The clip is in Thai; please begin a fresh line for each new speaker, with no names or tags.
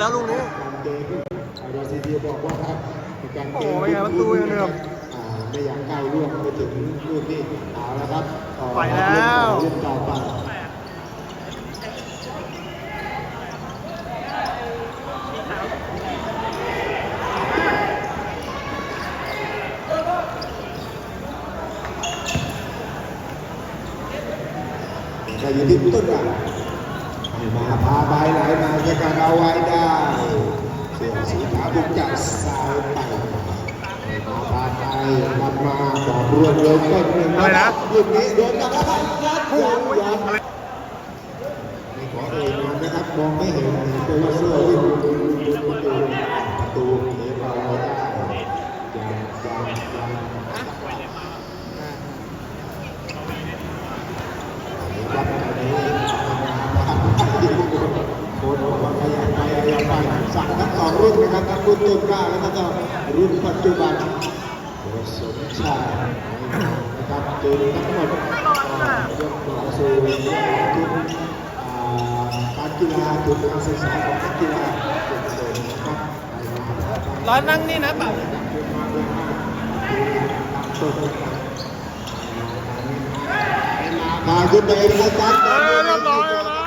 แล้วลูกนี้
ดอซีดีบอกว่าครับการเกม
โอ้ยประตูยังเดิม
ไม่อยากก้าวล่วงไปถึงลูกนี้เอาแล้วครับ
ไปแล้ว
เล่นต่อไปจะอยู่ที่ต้นกันมาพาใบไหลมาในการเอาไว้ได้เสื้อสีขาวบุกจากซ้ายไปมาพาไปนำมาบอกรวมเลยต้นหนึ่งนะลูกนี้โดนกับอะไรยัดไม่ขอเอ่ยนามนะครับมองไม่เห็นตัวเสื้อวิ่งประตูเลี้ยงเอาได้โค้ชบอกว่าขยันไปสั่งทั้งสองรุ่นนะครับทั้งรุ่นต้นกล้าแล้วก็รุ่นปัจจุบันโค้ชสมชายนะครับเจอทั้งหมดยกต่อสู่ทุกการกีฬาทุกการศึกษาของนักกีฬาทุกคนนะครับ
ร้อนนั่งนี่นะป่ะ
มาขึ้นไปอาจารย์
เรียบร้อยแล้ว